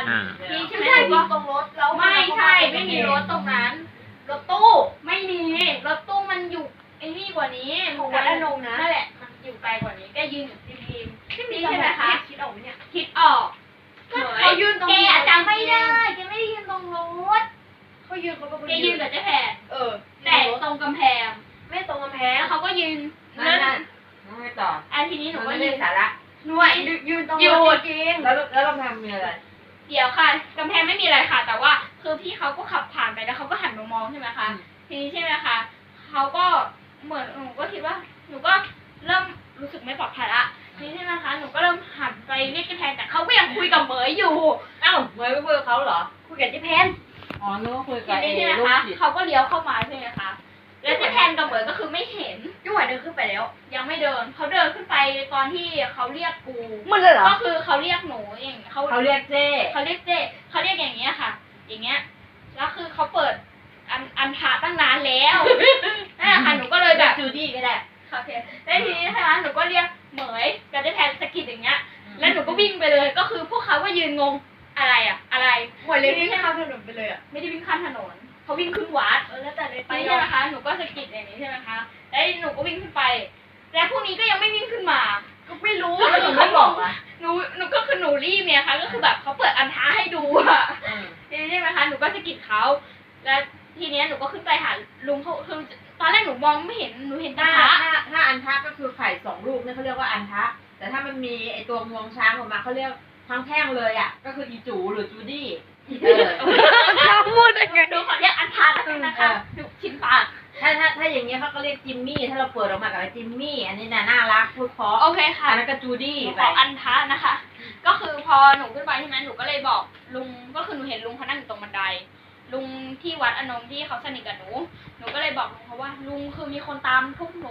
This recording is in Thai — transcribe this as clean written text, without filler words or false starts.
พี่ใช่ไหมไม่ใช่ว่าตรงรถแล้วไม่ใช่ไม่มีรถตรงนั้นรถตู้ไม่มีรถตู้มันอยู่ไอ้นี่กว่านี้นั่นแหละมันอยู่ไกลกว่านี้ก็ยืนอยู่ริมนี่ใช่ไหมคะคิดออกไหมเนี่ยคิดออกเขายืนตรงแกจำไม่ได้แกไม่ได้ยืนตรงรถเขายืนเขาก็แกยืนกับเจ๊แพร แต่ตรงกำแพงไม่ตรงกำแพงแล้วเขาก็ยืนนั่นไม่ต่ออันทีนี้หนูก็ไม่ยืได้นสาระหน่วยยืนตรงรถจริงแล้วเราทำมีอะไรเดี๋ยวค่ะกำแพงไม่มีอะไรค่ะ แต่ว่าคือพี่เขาก็ขับผ่านไปแล้วเขาก็หันมามองใช่ไหมคะทีนี้ใช่ไหมคะเขาก็เหมือนหนูก็คิดว่าหนูก็เริ่มรู้สึกไม่ปลอดภัยละทีนี้ใช่ไหมคะหนูก็เริ่มหันไปเรียกเจ๊แพนแต่เขาก็ยังคุยกับเหมยอยู่เอ้าเมย์ไม่คุยกับเขาเหรอคุยกับเจ๊แพนอ๋อนึกว่าคุยทีกับนี้ใช่ไหมลูกคะจิตเขาก็เลี้ยวเข้ามาใช่ไหมคะแล้วเจ๊แพนกับเหมยก็คือไม่เห็นยุ่งหวายเดินขึ้นไปแล้วยังไม่เดินเขาเดินขึ้นไปตอนที่เขาเรียกกูมันเลยเหรอก็คือเขาเรียกหนูอย่างเขาเขาเรียกเจ้เขาเรียกเจ๊เขาเรียกอย่างเงี้ยค่ะ อย่างเงี้ยแล้วคือเขาเปิดอันทาตั้งนานแล้วนั่นแหละค่ะหนูก็เลยแบบจูดี้ก็ได้โอเคแล้วทีนี้นะคะหนูก็เรียกเหมยกับเจ๊แพนสะกิดอย่างเงี้ยแล้วหนูก็วิ่งไปเลยก็คือพวกเขาก็ยืนงงอะไรอ่ะอะไรหมดเลยที่ข้ามถนนไปเลยอ่ะไม่ได้วิ่งข้ามถนนเขาวิ่งขึ้นวัดแล้วแต่ในไปไปใช่ไหมคะหนูก็สะกิดอย่างนี้ใช่ไหมคะแล้วหนูก็วิ่งขึ้นไปแล้วพวกนี้ก็ยังไม่วิ่งขึ้นมาก็ไม่รู้ก็แล้วคืหนูอไม่เขาบบ ออก กอ่ะหนูก็คือหนูรีบเนี่ยค่ะก็คือแบบเขาเปิดอันท้าให้ดูอะทีนี้ใช่ไหมคะหนูก็สะกิดเขาแล้วทีเนี้ยหนูก็ขึ้นไปหาลุงเขาคือตอนแรกหนูมองไม่เห็นหนูเห็นแตาถ้าอันทะก็คือไข่2 ลูกเนี่ยเขาเรียกว่าอันทะแต่ถ้ามันมีไอตัวงวงช้างออกมาเขาเรียกทั้งแท่งเลยอ่ะก็คืออีจูหรือจูดี้พูดยังไงดูขอเรียกอันท้าแล้วกันนะคะดูชิ้นปากถ้าอย่างเงี้ยเขาก็เรียกจิมมี่ถ้าเราเปิดออกมากับจิมมี่อันนี้น่ารักพูดเพราะโอเคค่ะอันนั้นก็จูดี้หนูไปขออันท้านะคะ ก็คือพอหนูขึ้นไปใช่ไหมหนูก็เลยบอกลุงก็คือหนูเห็นลุงเขานั่งอยู่ตรงบันไดลุงที่วัดอนงที่เขาสนิทกับหนูก็เลยบอกลุงเขาว่าลุงคือมีคนตามพวกหนู